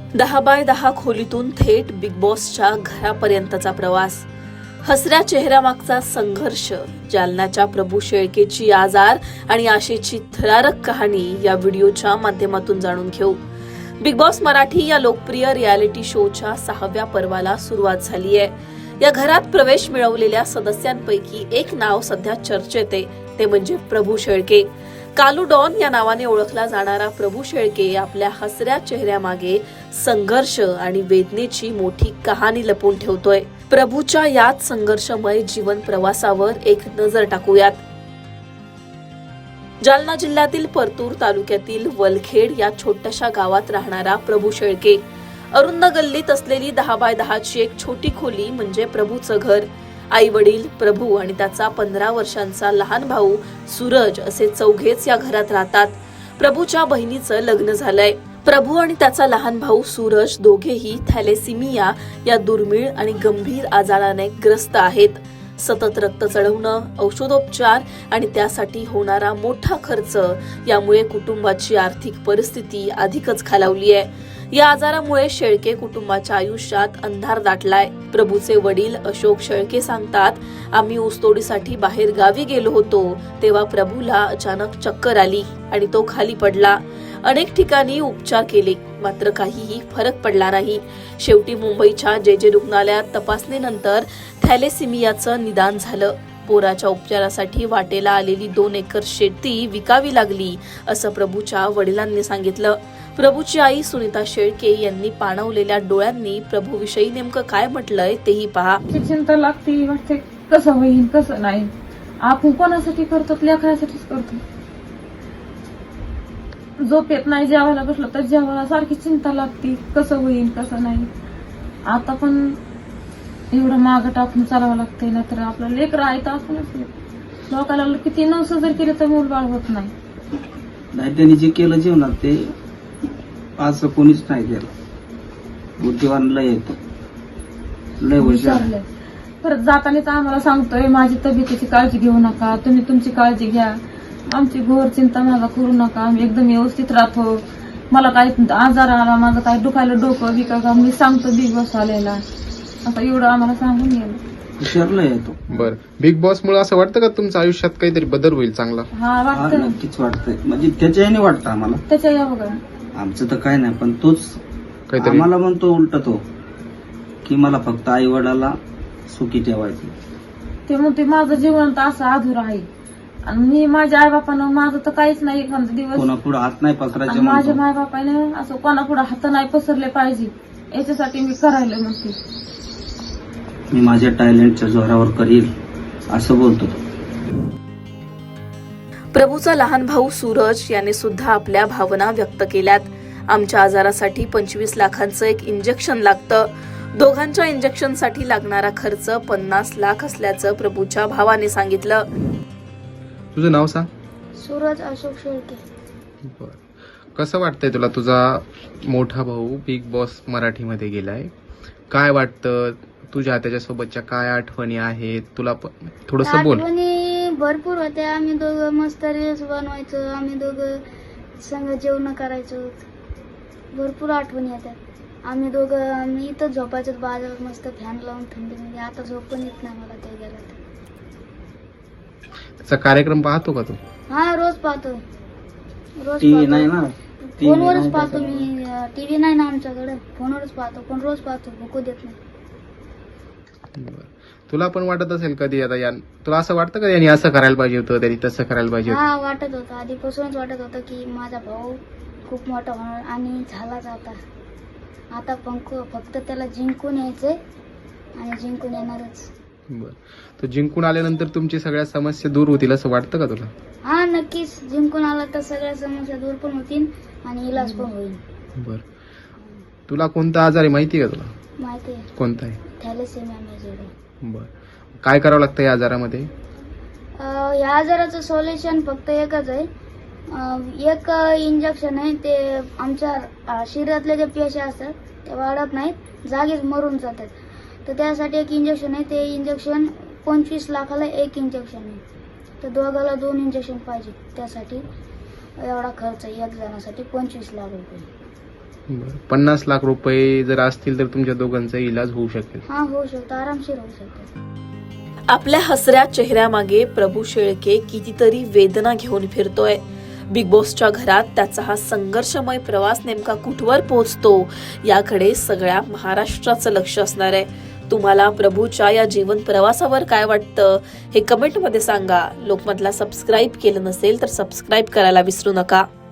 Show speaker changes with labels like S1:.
S1: 10x10 खोलीतून थेट big बॉसच्या घरापर्यंतचा प्रवास, हसऱ्या चेहऱ्यामागचा संघर्ष, जालन्याच्या प्रभू शेळकेची आजार आणि आशेची थरारक कहाणी या व्हिडिओच्या माध्यमातून जाणून घेऊ. बिग बॉस मराठी या लोकप्रिय रियालिटी शोच्या 6व्या पर्वाला सुरुवात झाली आहे. या घरात प्रवेश मिळवलेल्या सदस्यांपैकी एक नाव सध्या चर्चेत आहे, ते म्हणजे प्रभू शेळके. कालू डॉन या नावाने ओळखला जाणारा प्रभू शेळके आपल्या हसऱ्या चेहऱ्यामागे संघर्ष आणि वेदनेची मोठी कहाणी लपवून ठेवतोय. प्रभूच्या याच संघर्षमय जीवन प्रवासावर एक नजर टाकूयात. जालना जिल्ह्यातील परतूर तालुक्यातील वलखेड या छोट्याशा गावात राहणारा प्रभू शेळके. अरुंद गल्लीत असलेली 10x10 ची एक छोटी खोली म्हणजे प्रभूचं घर. आई वडील, प्रभू आणि त्याचा 15 वर्षांचा लहान भाऊ सूरज असे चौघेच या घरात राहतात. प्रभूच्या बहिणीचं लग्न झालंय. प्रभू आणि त्याचा लहान भाऊ सूरज दोघेही थॅलेसिमिया या दुर्मिळ आणि गंभीर आजाराने ग्रस्त आहेत. सतत रक्त चढवणं, औषधोपचार आणि त्यासाठी होणारा मोठा खर्च यामुळे कुटुंबाची आर्थिक परिस्थिती अधिकच खालावली आहे. या आजारामुळे शेळके कुटुंबाच्या आयुष्यात अंधार दाटलाय. प्रभूचे वडील अशोक शेळके सांगतात, आम्ही ऊसतोडीसाठी बाहेर गावी गेलो होतो तेव्हा प्रभूला अचानक चक्कर आली आणि तो खाली पडला. अनेक ठिकाणी उपचार केले, मात्र काहीही फरक पडला नाही. शेवटी मुंबईच्या जे रुग्णालयात तपासणीनंतर थॅलेसिमियाचं निदान झालं. पोराच्या उपचारासाठी वाटेला आलेली 2 एकर शेती विकावी लागली, असं प्रभूच्या वडिलांनी सांगितलं. प्रभूची आई सुनीता शेळके यांनी पाणवलेल्या डोळ्यांनी प्रभूविषयी नेमकं काय म्हटलंय तेही पहा.
S2: चिंता लागते, वाटते कसं होईल कसं नाही. आपण कोणासाठी करतो? लेकरासाठीच करतो. झोपेत नाही, जेवायला बसलं तर जेवायला सारखी चिंता लागते, कसं होईल कसं नाही. आता पण एवढं मागं टाकून चालावं लागतंय, ना तर आपलं लेकरं आहे तर आपणच लोकांना किती नवस जर केलं तर मूलबाळ होत नाही.
S3: त्यांनी जे केलं जीवनात ते आज कोणीच नाही केलं. बुद्धिवान लय येतो, लय हुशार.
S2: परत जाताना तर आम्हाला सांगतोय, माझी तब्येतीची काळजी घेऊ नका, तुम्ही तुमची काळजी घ्या, आमची घोर चिंता माझा करू नका, आम्ही एकदम व्यवस्थित राहतो. मला काही आजार आला, माझं काही दुखायला डोकं बिका का मी सांगतो बिग बॉस आलेला, आता एवढं आम्हाला सांगून गेलं.
S3: हुशारला येतो.
S4: बर, बिग बॉस मुळे असं वाटतं का तुमच्या आयुष्यात काहीतरी बदल होईल चांगला?
S2: हा वाटतं,
S3: नक्कीच वाटतंय. म्हणजे त्याच्या याने वाटतं आम्हाला.
S2: त्याच्या या बघा
S3: आमचं तर काय नाही, पण तोच
S4: काहीतरी
S3: आम्हाला म्हणतो उलट तो, की मला फक्त आई वडिलाला सुखी ठेवायचं.
S2: ते म्हणते माझं जीवन तर असं अधूर आहे आणि मी माझ्या आई बापानं माझं तर काहीच नाही. एखादा दिवस
S3: कोणापुढे हात नाही पसरायचे
S2: माझ्या
S3: म्हणतो.
S2: माय बापाने असं कोणापुढे हात नाही पसरले पाहिजे, याच्यासाठी मी करायला म्हणते.
S3: मी माझ्या टॅलेंटच्या जोरावर करील असं बोलतो तो.
S1: प्रभूचा लहान भाऊ सूरज याने सुद्धा आपल्या भावना व्यक्त केल्यात. आमच्या आजारासाठी 25 लाखांचं एक इंजेक्शन लागतं. दोघांच्या इंजेक्शनसाठी लागणारा खर्च 50 लाख असल्याचं प्रभूच्या भावाने सांगितलं.
S4: तुझं नाव सांग.
S5: सूरज अशोक शेळके.
S4: बर, कसं वाटतंय तुला? तुझा मोठा भाऊ बिग बॉस मराठीमध्ये गेलाय, काय वाटतं तुझ्या त्याच्यासोबतच्या? काय आठवणी आहेत तुला? थोडंसं बोल.
S5: आठवणी भरपूर होत्या. आम्ही दोघं मस्त रील्स बनवायचो, आम्ही दोघं संग जेवण करायचो. भरपूर आठवणी येतात. आम्ही दोघं इथं झोपायचो बाजारात मस्त फॅन लावून थंडीमध्ये. आता झोप पण येत नाही मला ते गेला तर.
S4: त्याचा कार्यक्रम पाहतो का तू?
S5: हा, रोज पाहतो. रोज
S3: टीव्ही नाही ना,
S5: फोनवरच पाहतो मी. टीव्ही नाही ना आमच्याकडे, फोनवरच पाहतो. पण रोज पाहतो, भुकू देत नाही.
S4: बरं. तुला पण वाटत असेल कधी आता तुला असं वाटतं का यांनी असं करायला पाहिजे होतं, त्यांनी तसं करायला पाहिजे होतं?
S5: हा, वाटत होतं. आधीपासूनच वाटत होतं की माझा भाऊ खूप मोठा होणार आणि झालाच आता फक्त त्याला जिंकून यायचंय आणि जिंकून येणारच.
S4: बरं, तो जिंकून आल्यानंतर तुमची सगळ्या समस्या दूर होतील असं वाटतं का तुला?
S5: हा, नक्कीच. जिंकून आला तर सगळ्या समस्या दूर पण होतील आणि इलाज पण होईल.
S4: बरं, तुला कोणता आजार आहे माहिती आहे का तुला?
S5: माहिती आहे,
S4: कोणता आहे?
S5: Thalassemia major.
S4: बरं, काय करावं लागतं या आजारामध्ये?
S5: या आजाराचं सोल्युशन फक्त एकच आहे. एक इंजेक्शन आहे, ते आमच्या शरीरातले जे पेशी असतात ते वाढत नाहीत, जागीच मरून जातात. तर त्यासाठी एक इंजेक्शन आहे. ते इंजेक्शन 25 लाखाला एक इंजेक्शन आहे. तर दोघाला 2 इंजेक्शन पाहिजे. त्यासाठी एवढा खर्च, एक जणासाठी 25 लाख रुपये.
S4: बरं. 50 लाख रुपये जर असतील तर तुमच्या दोघांचा इलाज होऊ शकेल.
S5: हा होऊ शकतो, आरामशीर होऊ शकतो.
S1: आपल्या हसऱ्या चेहऱ्यामागे प्रभू शेळके कितीतरी वेदना घेऊन फिरतोय. बिग बॉसच्या घरात त्याचा हा संघर्षमय प्रवास नेमका कुठवर पोहोचतो याकडे सगळ्या महाराष्ट्राचं लक्ष असणार आहे. तुम्हाला प्रभूच्या या जीवन प्रवासावर काय वाटतं हे कमेंटमध्ये सांगा. लोकमतला सबस्क्राईब केलं नसेल तर सबस्क्राईब करायला विसरू नका.